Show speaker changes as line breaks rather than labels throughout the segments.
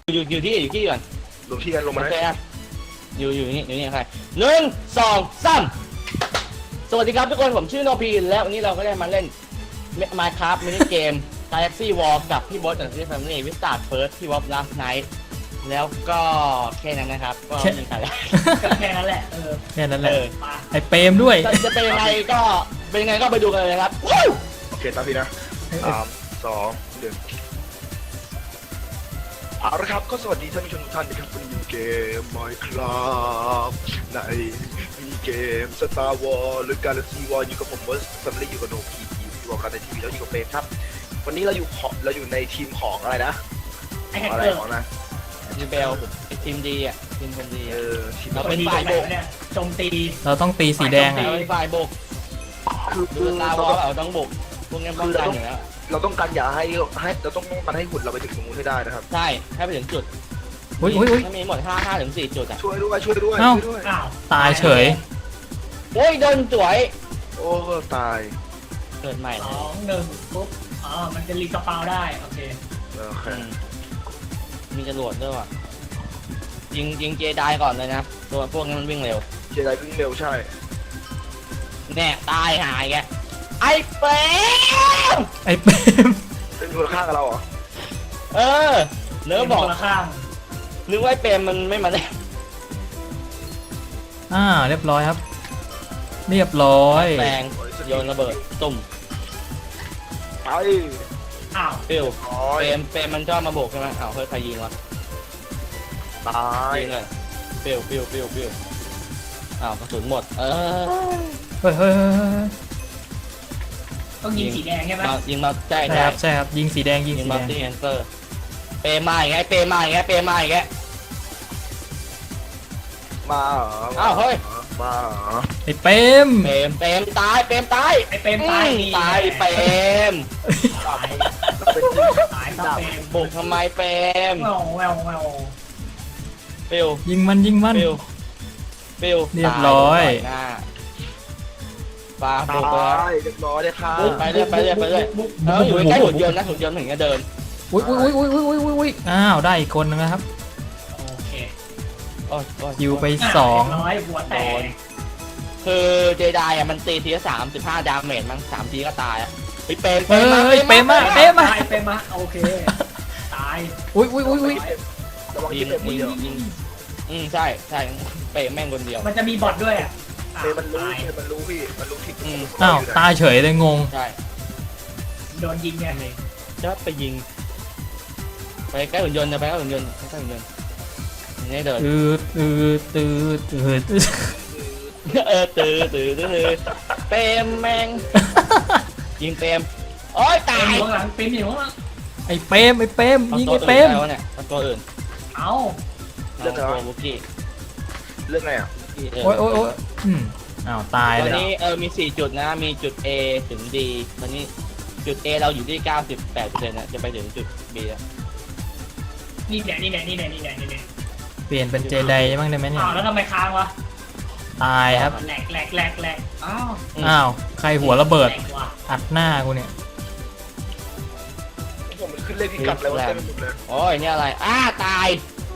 อยู่ที่ก่อน
รวมที่กันลงมาได้
อยู่นี่ใคร1 2 3สวัสดีครับทุกคนผมชื่อโนพีแล้ววันนี้เราก็ได้มาเล่น Minecraft มินิเกม Galaxy War กับพี่บอสจากที่ Family วิสตาร์เฟิร์สที่วอล์ฟลาสไนท์แล้วก็แค่นั้นนะครับก็มีใครแล้ว
แค่นั้นแหละ
แค่นั้นแหละไอเปรมด้วย
จะเป็นยังไงก็ไปดูกันเลยครับ
โอเคตามพี่นะ3 2 1เอาละครับก็สวัสดีท่านผู้ชมทุกท่านนะครับวันนี้เกม Minecraft ในมินิเกม Star Wars หรือ Galaxy War อยู่กับผมบอสแฟมิลี่อยู่กับโนพีอยู่กับกันในทีวีแล้วอยู่กับเฟรมครับวันนี้เราอยู่ในทีมของอะไรนะอะไรของนะ
ทีมเบลทีมดีอ่ะทีมคนดี
ทีม
เราเป็นฝ่ายโบก
เนี่ยโจมตี
เราต้องตีสีแดง
เราเป็นฝ่ายโบกคือตาวอลเราต้องโบกพวกนี้ป้องกันอยู่แล้ว
เราต้องการอย่าให้เราต้องการให้หุ่นเราไปถึงตรงนู้นให้ได้นะครับ
ใช่ให้ไปถึงจุดถ้ามีหมด5 ถึง 4 จุดอ่ะ
ช่วยด้วย
ตายเฉย
โอ้ยโดนจ่วย
โอ้ตาย
เกิดใหม่
2 1ปุ๊บมันจะรีสปาวได้โอเค
มีจรวดด้วยว่ะยิงเจไดก่อนเลยนะตัวพวกนี้มันวิ่งเร็ว
เจไดวิ่งเร็วใช่
แน่ตายหายแกไอ้เปรม
เป็นคนละข้างกับเราเหรอ
เนื้อบอก
ละข้าง
นึกว่าไอ้เปรมมันไม่มาได้
เรียบร้อยครับเรียบร้อย
แรงโยนระเบิดตุ่ม
ไป
เปรมมันชอบมาโบกใช่ไหมเฮ้ยใครยิงวะ
ตาย
ยิงเลยปิ้วกระสุนหมด
เฮ้ย
ต้องยิงสีแดงใช่ไหม
ยิงมาใช่
ครับยิงสีแดง
ยิงมาที่แอนเซอร์เปรมมาอีกไง
มา
เฮ้ย
มา
ไอ้เปรม
ตายไอ้เปรมตายเปรมบุกทำไมเปรมปิ้ว
ยิงมัน
ปิ้ว
เรียบร้อย
ปลาบุก
เรียบร้อยเลยค่ะ
ไปเรื่อยอยู่ใกล้หุ่นยนต์นะหุ่นยนต์ถึงจะเดิน
อุ้ยได้อีกคนนึงนะครับ
โอเค
ยิวไป
2หัวแตก
คือเจไดมันตีทีละ35 ดาเมจมั้ง3 ทีก็ตายเปรม
มา
โอเคตาย
อุ้ย
ระวังยิง
ใช่เปรมแม่งคนเดียว
มันจะมีบอทด้วย
มันรู้พี่มันรู้ทิศ
ตายเฉยเลยงง
ใช่
โดนยิงไง
จะไปยิงไปใกล้หุ่นยนต์จะไปใกล้หุ่นยนต์นี่เดิน
ตื้
เปรมแม่งยิงเปรมโอ้ยตาย
อยู่ข้างหลังเปรมอยู่ข้างหลัง
ไอ้เปรมยิงไอ้เปรม
เนี่ยตัวอื่น
เรื่องอะไร
บุกี้
เรื่องอะไร
โอ้ยตายเลย
ตอนนี้มี4 จุดนะมีจุด A ถึง D ตอนนี้จุด A เราอยู่ที่ 98% นะจะไปถึงจุด B แล้ว
นี่แหละ
เปลี่ยนเป็นเจไดบ้างได้ไหมเนี่ย
แล้วทำไมค้างวะ
ตายครับ
แหลก
ใครหัวระเบิดอัดหน้ากูเนี่ย
ผมมันขึ้นเลขพิกัดแล้วเต็มหมดเลย
โอ้ยนี่อะไรตาย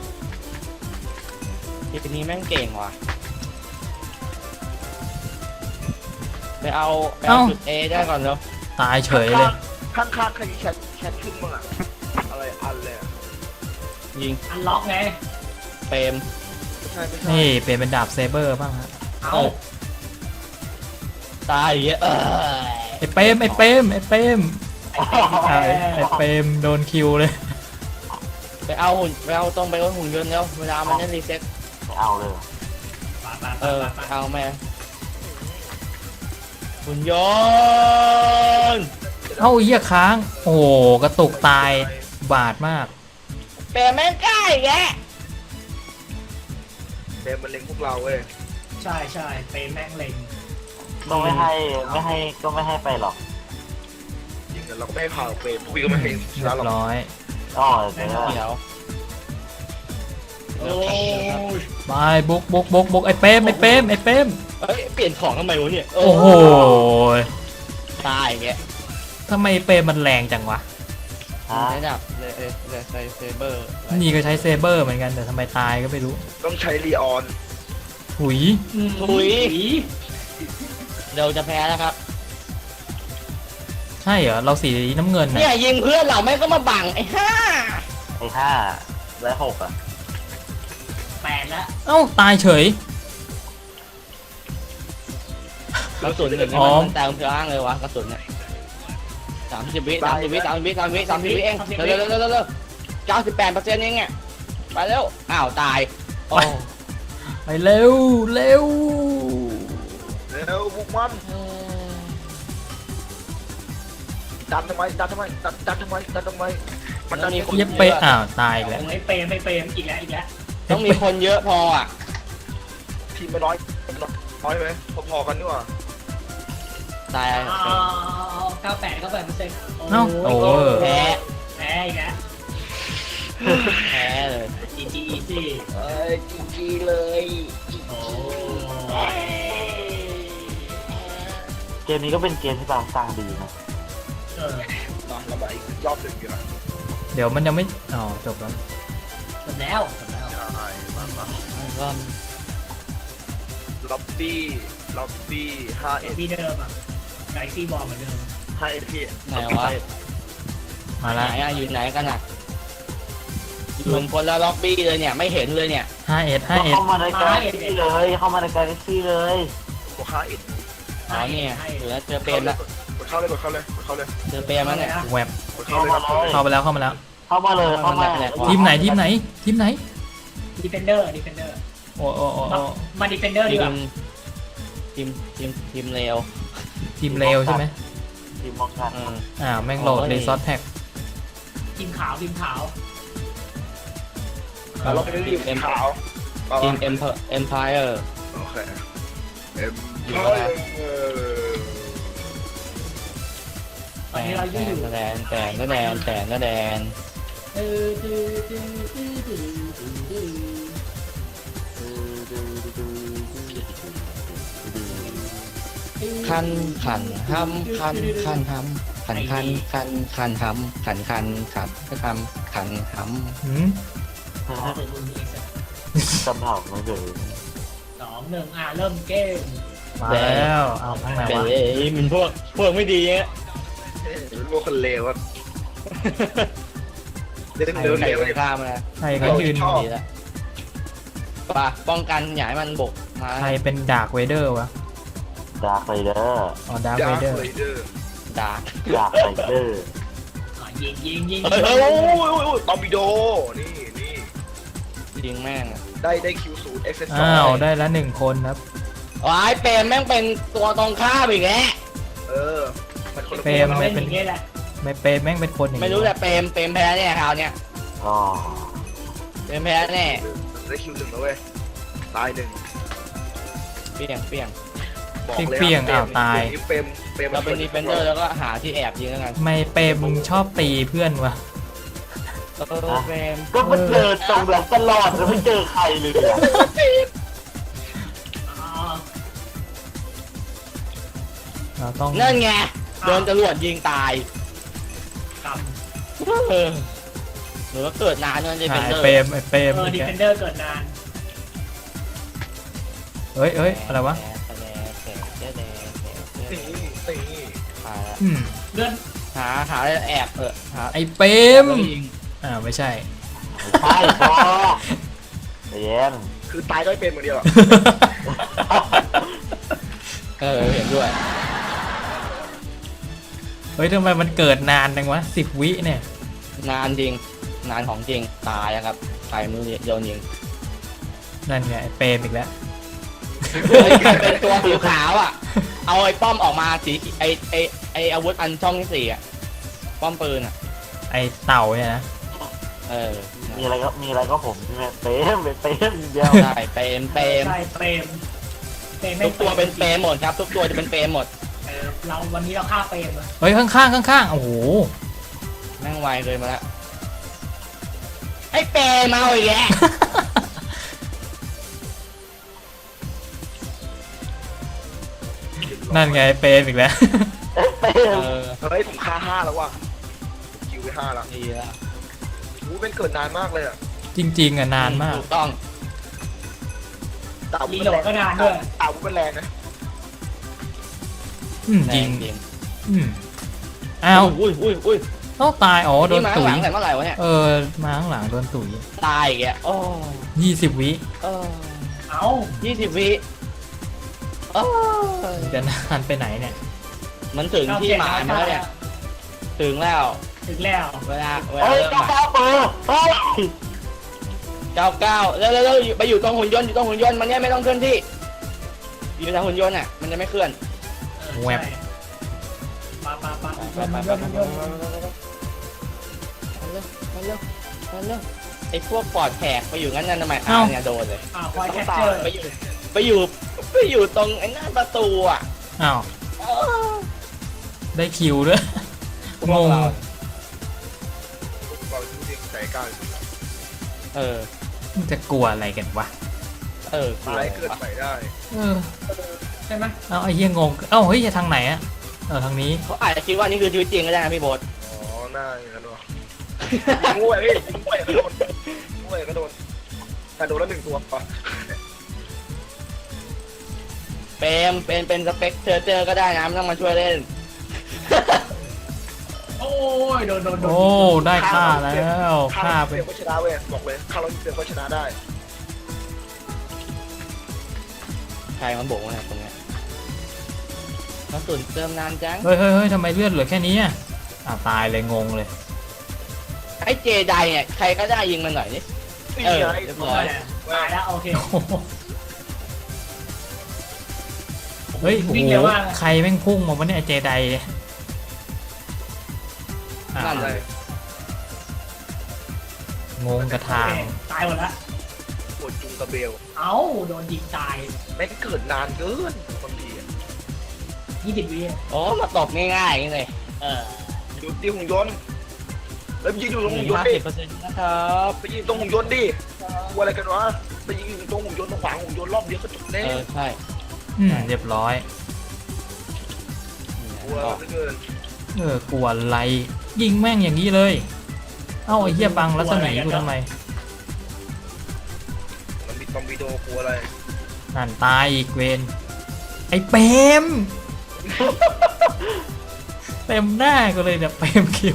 ทีนี้แม่งเก่งว่ะไปเอาจุด A ได้ก่อนเนาะ
ตายเฉยเลย
ข้างใครแชทขึ้นบ้างอะไรอันเลย
ยิง
อันล็อกไง
เปรม
นี่เปลี่ยนเป็นดาบเซเบอร์บ้างฮะ
ตายเยอะ
ไอ้เปรมโดนคิวเลย
ไปเอาหุ่นยนต์แล้วเวลามันจะรีเซ็ต
เอาเลย
เอาแม่หุ่นยนต์
เหี้ยค้างโอ้กระตุกตายบาดมาก
เปรมแม่งใกล้แก
เปรมมันเล็งพวกเราเว้ย
ใช่เปรมแม่งเล็ง
ก็ไม่ให้ไปหรอก
จริงเราก็ไม่ให้ผ่าเปรมพวกพี่ก็ไม่ให้ชนะหรอก
ร้อย
เดี๋ยว
ไปบุกไอ้เปรมเป
ลี่ยนของทำไมวะเนี่ย
โอ้โห
ตายแก
ทำไมเปรมมันแรงจังวะ
ฮะ
ระดับเลยเซเบอร์
นี่ก็ใช้เซเบอร์เหมือนกันแต่ทำไมตายก็ไม่รู้
ต้องใช้ลีออน
หุย
ถุยเราจะแพ้แล้วครับ
ใช่เหรอเราสีน้ำเงิน
เนี่
นะ
ยยิงเพื่อนเราไม่ก็มาบังไอ้ห่า
ไอ้5และ6อ่ะ
8แล้ว
เอ้าตายเฉย
กระสุนหนึ่ง
อ๋อ
มันแต่งเพื่ออ้างเลยวะกระสุนเนี่ย30 วิเองเร็ว98%เองอ่ะไปเร็วอ้าวตายโอ้
ไปเร็วเร็ว
แล้วบุกมันดันทำไมดันทำไมดันทำไมมันดัน
มีคน
เย็บไปอ้าวตายอีกแล้ว
ไม่เปรมอีกแล้ว
ต้องมีคนเยอะพออ่ะ
ทีมไม่น้อยไหมพอๆกันนี่หว่า
ตาย
98%เ
เอ้าโอ้
แพ้
แพ้อีกแล้ว
แพ้เลย
GG easy
จีเลย
โอ้
เกมนี้ก็เป็นเกมที่บางสร้างดีนะ
มาเรามาอีกรอบหนึ่งดีกว่า
เดี๋ยวมันยังไม่อ๋อจบแล้ว
จบแล้ว
ใช่มา
ก็
ล็อบบี้5
ที่เดิมอ่ะไกซี่บอลเหมือนเดิม
พี่
ไหนวะ
มา
ไหน
ละ
อ่ะอยู่ไหนกันอ่ะอยู่คนละล็อบบี้เลยเนี่ยไม่เห็นเลยเนี่ย
5S
เข้ามาในกาแล็กซี่เลยเข้ามาในกาแล็กซี่เลย
บวก5
อ๋อเนี่ยเหลือเจอเปรมละ
กดเข้าเลย
เจอเปรมแล้วเนี่ย
แวบ
กดเข้าเลย
เข้าไปแล้วเข้ามาแล้ว
เข้ามาเลยเข้ามา
ทีมไหนทีมไหน
ดีเฟนเดอร์
โอ้โอ้โอ้โอ้
มาดีเฟนเดอร์ดีกว่า
ทีมเลว
ทีมเลวใช่ไหม
ทีมมองกัน
อ้าวแม่งโหลดรีซอสแท็ก
ทีมขาว
เราไปเล่นทีมขาว
ทีมเอ็มพายร์
โอเค
ตอนนี้เราอยู่
แดนคันห้ำคันห้ำคันห้ำคันห้ำ
หืม
จำเผ่าไม่เลย
2 1เริ่มเกม
มาแล้วเอาข้างไหน
เป็น
วะ
เลยมันพวกไม่ดีเงี้ย
เป็นพวกคนเลวอ่ะเล่น
ใคร
เร็ว
ใคร
เร็ว
ไปฆ่ามาแล้ว
ใครก็ยืน
ดีแล้วป่ะป้องกันอย่าให้มันบุกมา
ใครเป็นดาร์กเวเดอร์วะ
ดาร์คไรเดอร์
อ๋อดาร์ก
ดา
เว
ร์
เดอร์
คเลเดอร์
ด่า
ดาร์คไรเดอร์
ยิง
โอ้ยตอร์ปิโดนี่
ยิงแม่ง
ได้คิวศูนย์เอ็กเซส
อ้าวได้ละ1 คนครับ
ว้ายเปรมแม่งเป็นตัวตรงข้ามอีกแล้ว
มันคนละ
เฟรม
เล่นอย่างนี้แหละ
ไม่เปรมแม่งเป็นคนอย่าง
ไม่
นี้
รู้แต่เปรมแพ้เนี่ยคราวเนี้ย
อ๋อ
เปรมแพ้แน่
ได้คิว1แล้วเว้ยตาย1
เปี้ยง
บอกเลยเฟรม
เราเป็นดีเฟนเดอร์แล้วก็หาที่แอบยิงแล้วกัน
ไม่เปรมมึงชอบตีเพื่อนวะ
เฟรม
ก็มันเจอตรงแบบตลอดแล้วไม่เจอใครเลยอะ
เราต้อง
นั่นไงโดนจรวดยิงตาย
กับ
หรือว่าเกิดนานจนดี
หา
เฟน
ย
เดอร์
เปรมเปรม
ดีเฟนเดอร์เกิดนาน
เฮ้ยอะไรวะ อืม
เลื่อน
หาแอบหา
ไอเปรมไม่ใช่
ใช่พอเย็น
คือตายด้วยเป็นเหมือนเดียว
เห็นด้วย
เฮ้ยทำไมมันเกิดนานจังวะ10 วิเนี่ย
นานจริงนานของจริงตายนะครับใครไม่รู้โยนยิง
นั่นไงไอ้เปรมอีกแล้ว
เป็นตัวสีขาวอ่ะเอาไอ้ป้อมออกมาสีไออาวุธอันช่องที่ 4อ่ะป้อมปืนอ่ะ
ไอเต่าเนี่ยนะ
มีอะไรก็ผมใช่ไหมเต็มเดียว
ใช่เปรม
ใช่เปรม
ทุกตัวเป็นเปรมหมดครับทุกตัวจะเป็นเปรมหมด
เราวันนี้เราฆ่าเปรม
เฮ้ยข้างโอ้โห
แม่งไวเลยมาแล้วไอ้เปรมเอาอีกแล้ว
นั่นไงไอ้เปรมอีกแล้ว
เต็ม
เฮ้ยผมฆ่า5แล้วว่ะคิวไป5ละ
ดีแล้ว
อู้เป็นเกิดนานมากเลยอ่ะ
จริงๆอ่ะนานมาก
ถูกต้อง
เต่า
รีโหลดก็นานด้วย
เต่าเป็นแรงนะ
จริง
จริง
อ้าว
อุ้ย
ต้องตายอ๋อโด
นี่
น
มา
ตุ๋
ห
ย
ลังแต่เมื่อไหร่วะเนี่ย
มาข้างหลังโดนตุ๋ย
ตายอีกแล้วโอ้
20 วิ
เออ
เอา
20 วิเออ
จะนานไปไหนเนี่ย
มันถึงที่หมายมาแล้วเนี่ยถึงแล้ว
ถึงแล้ว
เวลา
เฮ้ย
เริ่ม
กา
ใหม่
เปิดเฮ้ย
99แล้วไปอยู่ตรงหุ่นยนต์มันเนี่ยไม่ต้องเคลื่อนที่อยู่ทางหุ่นยนต์อ่ะมันจะไม่เคลื่อน
แวบ
ปา
มันเร็วไอ้พวกปอดแขกไปอยู่งั้นนั่นทำไมเนี่ยโดนเลย
คอยแคปเจอร์
ไปอยู่ตรงไอ้หน้าประตูอ่ะ
อ้าว ได้คิวด้วย งง
ก่อนที่ใส่ก้าว
เออ
มันจะกลัวอะไรกันวะ
กลัว
ตายเกิดใหม่ได้
ใช่ไหม
เอาไอ้เหี้ยงง เอ้าเฮ้ยจะทางไหนอะทางนี้
เขาอาจจะคิดว่านี่คือชีวิตจริงก็ได้นะพี่โบ๊ท
อ๋อหน้าอย่างนั้นวะงูไอ้พี่งูไอ้ก็โดนงูไอ้ก็โดนแต่โดนแล้ว1ตัวปะ
เป็นสเปกเจอก็ได้นะไม่ต้องมาช่วยเล่น
โอ้ยโดน
โอ้ได้ฆ่าแล้วฆ่า
เป
เป็
ลี่
น
ยนก็ชนะเว้ยบอกเลยข้าเราเปลี่ยนก็ชนะได้
ใครมันโบกนะตรงเนี้ยกระสุนเติมนานจัง
เฮ้ยทำไมเลือดเหลือแค่นี้อะตายเลยงงเลย
ไอ้เจไดเนี่ยใครก็ได้ยิงมันหน่อยนี่
นี่
เออ
ไง
เรียบร้อย
ตายแล้วโอเค
เฮ้ยโอ้
วิ่ง
โห
เร็วมาก
ใครแม่งพุ่งมาวะเนี่ยไอ้เจไดเนี่ยอ่ะ
นั่นเลย
งงกระทาง
ตายหมดละ
ปวดจุงกระเบล
เอ้าโดนยิงตาย
แม่งเกิดนานเกินบางทีอะ
20 วิ
โอ้มาตบง่ายๆอย่างนี้เลย
อยู่ที่หุ่นยนต์แล้วยิงอยู่ตรงหุ่นยนต์ดิ
50%นะครับ
ไปยิงตรงหุ่นยนต์ดิกลัวอะไรกันวะไปยิงอยู่ตรงหุ่นยนต์ตรงขวางหุ่นยนต์รอบเดียวก็จบแน่
ใช่
เรียบร้อย
กลัวเหลือเกิน
กลัวอะไร ยิงแม่งอย่างนี้เลย เอ้าไอ้เหี้ยบังรัศมีกูทำไม
มันมีตอมบิโดกลัวอะไร
นั่นตายอีกเวนไอ้เปม เต็มหน้ากูเลยเนี่ยเปมคิว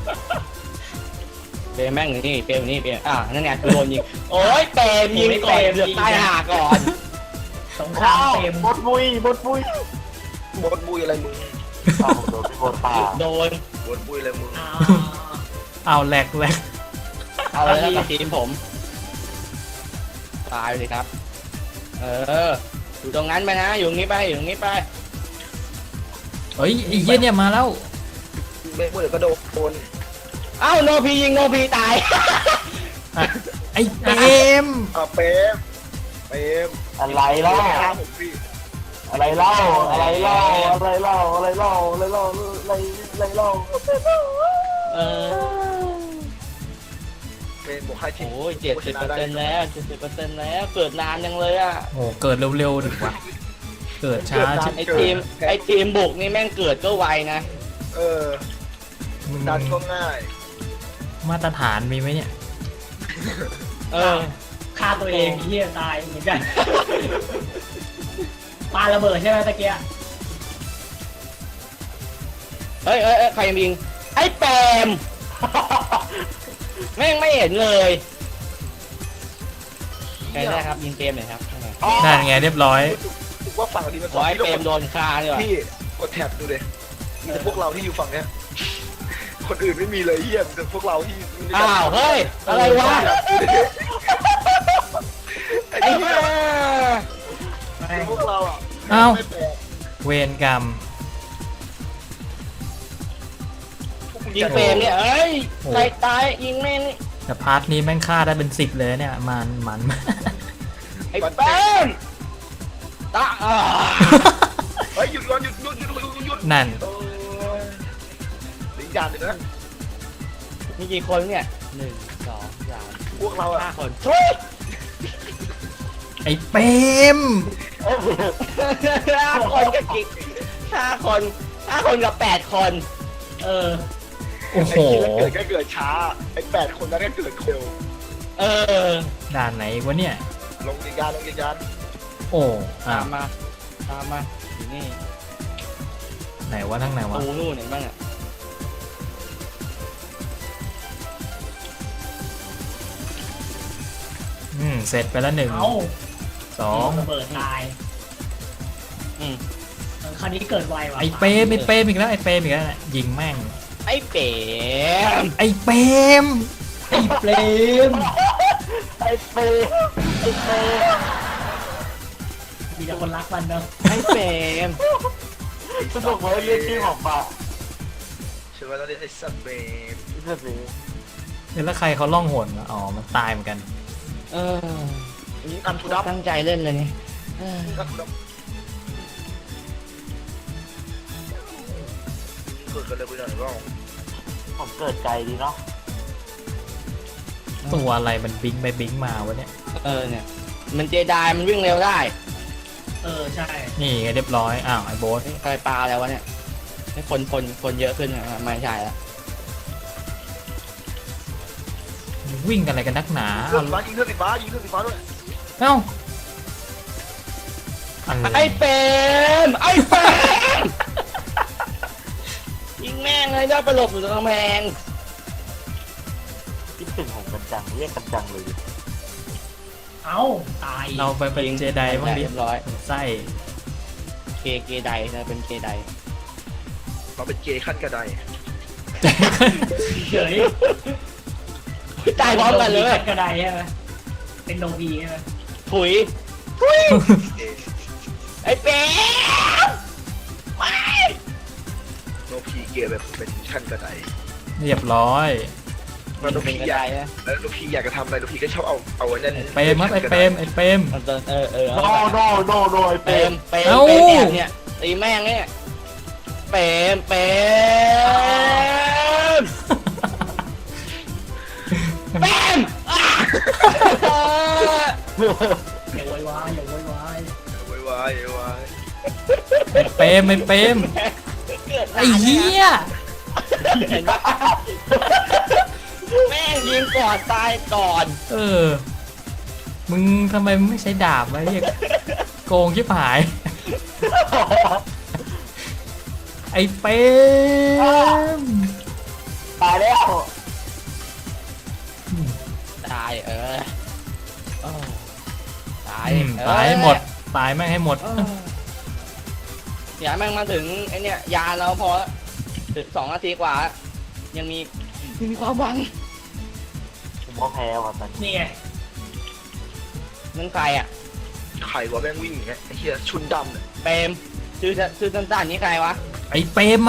เปรมแม่งนี่เปรมนี่เปรมนั่นไงคือโดนยิงโอ้ยเปรมยิงก่อนเดือดตายห่าก่อน
สงครามเต็ม
บดบุย
บดบุยอะไรมึง
เอาโดนพี่บดตา
โดน
บดบุยอะไรมึง
เอาแหลก
เอาเลยแล้วกับทีมผมตายเลยครับอยู่ตรงนั้นไปนะอยู่ตรงนี้ไป
เฮ้ยไอ้เหี้ยเนี่ยมาแล้ว
ไม่พูดเดี๋ยวก็โดน
เอ้าโนพียิงโนพีตาย
ไอ้เปม
เป๊ม
อะไรเล่า
ผมพี่
อะไรเล่าอะไรเล่าอะไรเล่าอะไรเล่าอะไรเล่าอะไรเล่า
เป็นบวกค่าชิง
โอ้ย70%แล้ว70%แล้วเกิดนานยังเลยอ่ะ
โอ้เกิดเร็วๆถึงวะเกิดช้าชิบ
ไอทีมบุกนี่แม่งเกิดก็ไวนะ
มึง
ดันก็ง่าย
มาตรฐานมีไหมเนี่ย
ฆ่าตัวเองเหี้ยตายเหมือนกันปาระเบิดใช่ไหมตะเกีย
เฮ้ยใครยิงไอ้แปม แม่งไม่เห็นเลยใครได้ครับยิงเกมหน่อยครับ
นั่นไงเรียบร้อย
ว่าฝั่งดีมัน
ขอให้เปรมโดนคาดีกว่า
พี่กดแท็บดูเลยมีแต่พวกเราที่อยู่ฝั่งเนี้ยคนอื่นไม่มีเลยเฮียแต่พวกเราที่
อ้าวเฮ้ยอะไรวะ
ไอ้
ไอ้
เหี้
เหี้
ย
ย
พวกเราอ่ะ
เอ้า
ไม่แปลก
เวรกรรม
พวกมึ
ยิง
จะ
เปรมเนี่ยเอ้ยใครตายยิงแม่งนี่
แต่พาร์ทนี้แม่งฆ่าได้เป็น10เลยเนี่ยมัน
ไอ้แปมตา
เฮ้ยหยุดก่อนหยุด
นั่น
หลีกอย่างหนึ่งนะ
มีกี่คนเนี่ย1 2 3
พวกเราอ่ะ
5 คนช่วย
ไอ้เปม
5 คนกับกี่5 คนกับ8 คน
เออ
โอ้โห
ไอ้ที่แล้วเกิดก็เกิดช้าไอ้8 คนนั้นก็เกิดเร็ว
เออ
ด่านไหนวะเนี่ย
ลงยิงยานลงยิงยาน
โอ้อ่ะ
ตามมาอยู่นี่
ไหนวะทั้งไหนวะ
ตูนู่นเห็นบ้างอ่ะ
เสร็จไปแล้ว1
เอ้า
2
ระเบิดตาย
อืม
คราวนี้เกิดไวว่ะ
ไอ้เปรมอีกแล้วไอ้เปรมอีกแล้วน่ะยิงแม่ง
ไอ้เป๋
ไอ้เปรมไอ้เปรม
ไอ้เปย์ไอ้เปย์
มีแต่คนรักมันเนอะ
ไอ้เป๋
สนุกเลยเรียกชื่อของป่า
ใช่ไหมตอนนี้ไอ้สัตว์เบน
เรื่องนี้
แล้วใครเขาล่องหนวะอ๋อมันตายเหมือนกัน
เออ
ยิงอันทุดับ
ตั้งใจเล่นเลยนี่เออ
ยิงอันทุดับเกิดกันเลยไปหน่อยบ้าง
ผมเกิดไกลดีเนาะ
ตัวอะไรมันบิงไปบิงมาวะเนี่ย
เออเนี่ย มันเจไดมันวิ่งเร็วได้
ใช่
นี่ไงเรียบร้อยอ้าวไอ้โบ๊ท
ใครปลาแล้ววะเนี่ยให้คนเยอะขึ้นอ่ะไม่ใช่ละ
วิ่งกันอะไรกันนักหนา
เรื่องฟ้ายิงเครื่องสีฟ้ายิงเครื่องสีฟ้าด้วย
เอ้าอะไร
ไอ้เป๋มไอ้เป๋มยิงแม่งเลยได้ไปหลบอยู่ตรงกำแพง
คิดถึงผมกันจังเรียกกันจังเลย
เอ้าตาย
เราไปเป็นเจไดบ้างดิ
เรียบร้อย
ไส้
เกไดนะเป็นเกได
เราเป็นเจขั้นกระได
เฉย
ตายพร้อมกันเลย
กระไดใช่ไหมเป็นโนบีใช่ไหม
ถุย
เจ
ไอ้เป๋มไม่
โนพีเกแบบเป็นขั้นกระได
เรียบร้อย
แล้วโน
เป็
พี
นกระ
อ
ได
ยาก
นะ
แล้วโนพีอยากจะทำอะไรโนพีก็ชอบเอาไว้นั่น
เปรมครับไอ้เปรมไอ้เปรม
มันจะเออ
โนโนโนโนไอ้
เป
เป
ร
ย์
ม
เอ้า
แอบเนี่ยตีแม่งเนี่ยเปรมเปรมเปรมอ่ะ
อย่าโวยวายอย่าโวยวาย
ไว้ไว้
ไอ้เปรมไอ้เปรมไอ้เหี้ย
เห็นปะแม่งยิงก่อนตายก่อน
เออมึงทำไมไม่ใช้ดาบวะเรียกโกงชิบหาย ไอ้เปรม
ตายแล้ว
ตายเออตาย
ตายให้หมดตายแม่งให้หมด
อย่าแม่งมาถึงไอเนี่ยยาเราพอถึง2 นาทีกว่า ยังมีความหวัง
ผมก็แพ้ว่ะตอนนี้
นี่ไง
นั่นใครอ่ะ
ไข่ว่าแม่งวิ่งอย่างเงี้ยไอ้เหี้ยชุนดำเนี่ย
เปรมชื่อสั้นๆนี่ใครวะ
ไอ้เปรมมา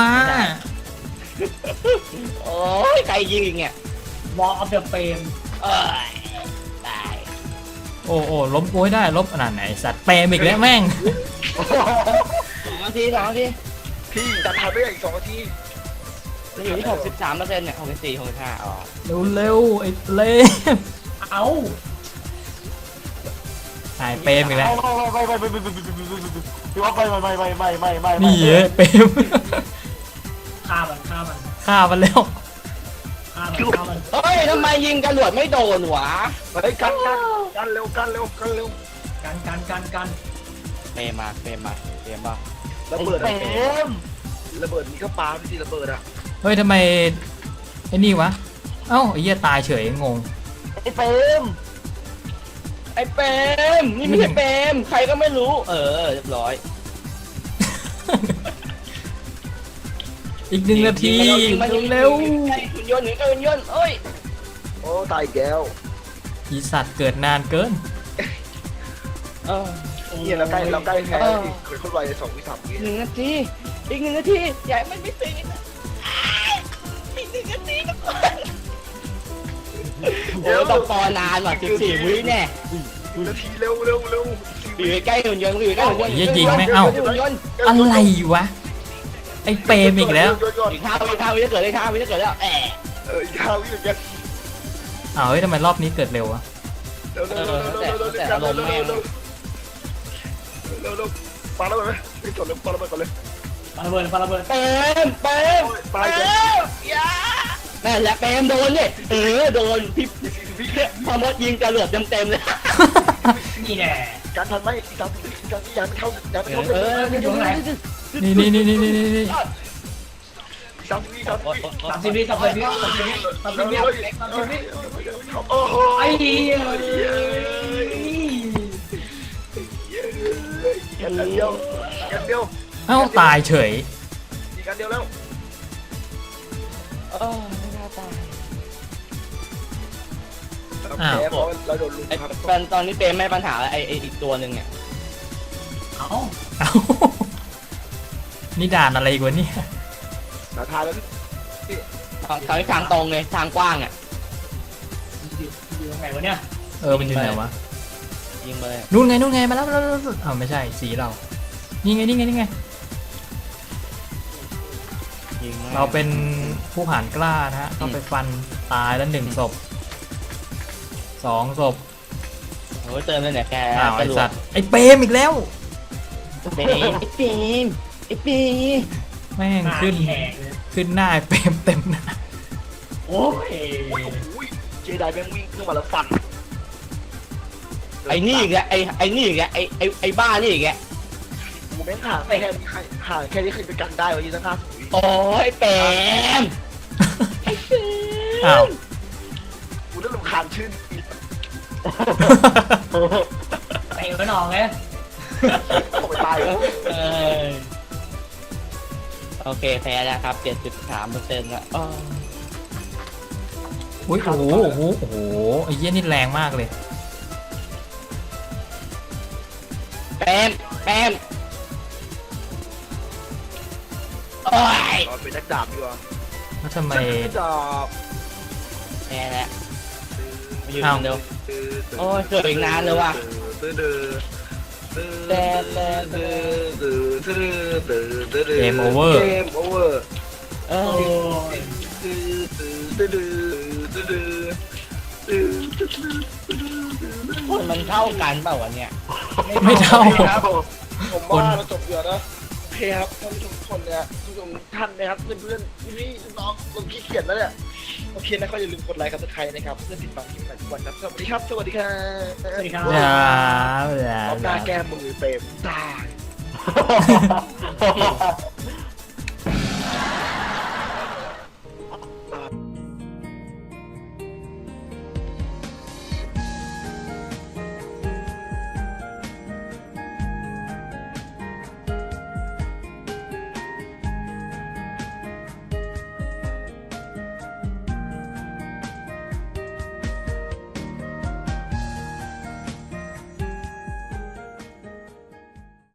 โอ้ยใครยิงอีกเนี่ย
วอลออฟเดอะเฟม
เอ้ยตาย
โอ้ล้มกูให้ได้ลบขนาดไหนสัตว์เปรมอีกแล้วแม่ง
2 นาที
พี่ดันทันไปอีก2 นาที
มันอยู่ที่63%เนี่ย64 65อ๋อ
เร็วไอ้เปรม
เอ้า
ไอ้เปรมอีกแล้ว
ไม่พี่ว่าไม่
นี่เอ้ยเปรม
ฆ่ามัน
ฆ่ามันแล้ว
ฆ่ามัน
เฮ้ยทำไมยิงกระหลวดไม่โดนวะ
เฮ้ยกันเร็ว
กัน
เปรมมาเปรมป่ะ
ระเบิด
เปม
ระเบิดนี่ก็ปาไม่ใช่ระเบิดอ่ะ
เฮ้ยทำไมไอ้นี่วะเอ้าไอ้เหี้ยตายเฉยงง
ไอ้เปม
ไอ้เปรมนี่ไม่ใช่เปรมใครก็ไม่รู้ เรียบร้อย
อีก1 นาที
ยิงมา
เร็ว
หุ่นยนต์เอ้ย
โอ้ตายอีกแล้ว
อีสัตว์เกิดนานเกิน
เออ
เหี้ยเราใกล้แพ้อีกคนไว2 วิ 3 วิ
1 นาทีอีก1 นาทีอย่าให้มันไม่ตื่นนะอีก1 นาทีนะโอ้ต้องปอนานว่ะ14 วิแน่
1 นาทีเร็ว
อยู่ใกล้หุ่นยนต์อยู่ใกล้หุ่นยนต์
เหี้ยยิงแม่งเอ้า
หุ่นยนต์
อะไรวะไอ้เปรมอีกแล้ว
อีก5 วิจะเกิดเลย5 วิจะเกิดแล้วแอะ
อีก5 วิเหมือนกัน
อ้าวเฮ้ยทำไมรอบนี้เกิดเร็ววะ
เร็วปาแล้วไหมไม่จดเลยปาแล้วไปก่อนเลย
ปาระเบิด
เปรม
ตาย
เปร
แล้
มอย่านั่นแหละเปรมโดนเนี่ยโดนพี่พอมดยิงจรวดเต็มๆเลย
นี่แน่
การทันไหมการยันเข้ายันเข้า
อยู่ไหน
นี่นี่นี่นี่นี่นี่
30 วิ
30 วิ
โอ้โห
ไอ้เหี้ย
กันเดียวกันเดียว
เอ้าตายเฉย
อีกกันเดียวแล้ว
ไม่น่าตาย
แพ้เพราะเราโดนลุม
ไอ้
ครับ
แฟนตอนนี้เปรมไม่ปัญหาไอ้อีกตัวหนึ่งเนี่ย
เอ้า
เอ้านี่ด่านอะไรอีกวะเนี่ย
สาทานแล้ว
ทางตรงเลยทางกว้างอ่ะ
อยู่ตรงไหนวะเนี่ย
มันอยู่ไหนวะ
ยิงไปเลย
นู่นไงมาแล้วอ้าวไม่ใช่สีเรานี่ไงนี่ไงนี่ไง
ยิงม
เราเป็นผู้ผ่านกล้านะฮะเข้าไปฟันตายแล้ว1 ศพ 2 ศพ
โอ้ยเติมเลยเนี่ยแก
อ้าวไอสัตว์ไอเปรมอีกแล้ว
เปรมไอ้เปรมไอ้เปรม
แม่ง
หน้า
ขึ้น
แหกเลย
ขึ้นหน้าไอเปรมเต็มหน้า
โอ้ย
เจไดแม่งวิ่งขึ้นมาแล้วฟัน
ไอ้นี่อีกแล้วไอ้นี่อีกแล้วไอ้บ้านี่อีกแล้ว
กูแม่งห่างแค่ห่างแค่นี้เคยไปกันได้วันนี้ตั้ง50 วิ
โอ้ยเปรม
อ้าว
กูเริ่มรำคาญชื่อ
เตะไว้หนองเลย
ตกไปตายแล้ว
เออโอเคแพ้แล้วครับ 7.3%ละอ้อ
อุ้ยโอ้โหไอ้เหี้ยนี่แรงมากเลย
เปรมโอ้ย
ตอนเป็นนักดาบดีกว่า
แล้วทำไม
ดาบ
แพ้แล้วมาอยู่
อ้าว
เดียวโอ้ยเกิดอีกนานเลยว่ะ
เกมโอเวอร์
เกมโอเวอร์
เอ
โอ้
อมันเท่ากันเปล่าวะเนี่ย
ไม่เท่า
ครับผมว่าเราจบเยอะนะโอเคครับท่านผู้ชมทุกคนเนี่ยผู้ชมท่านนะครับเพื่อนๆพี่น้องคนขี้เกียจแล้วเนี่ยโอเคนะก็อย่าลืมกดไลค์กับสไครต์นะครับเพื่อติดตามคลิปใหม่ทุกวันครับสวัสดีครับสวัสดีครับ
สวัสดีครับ
อย่า
เอาหน้าแก้มือเปรมตาย
ฮ่าฮ่าฮ่า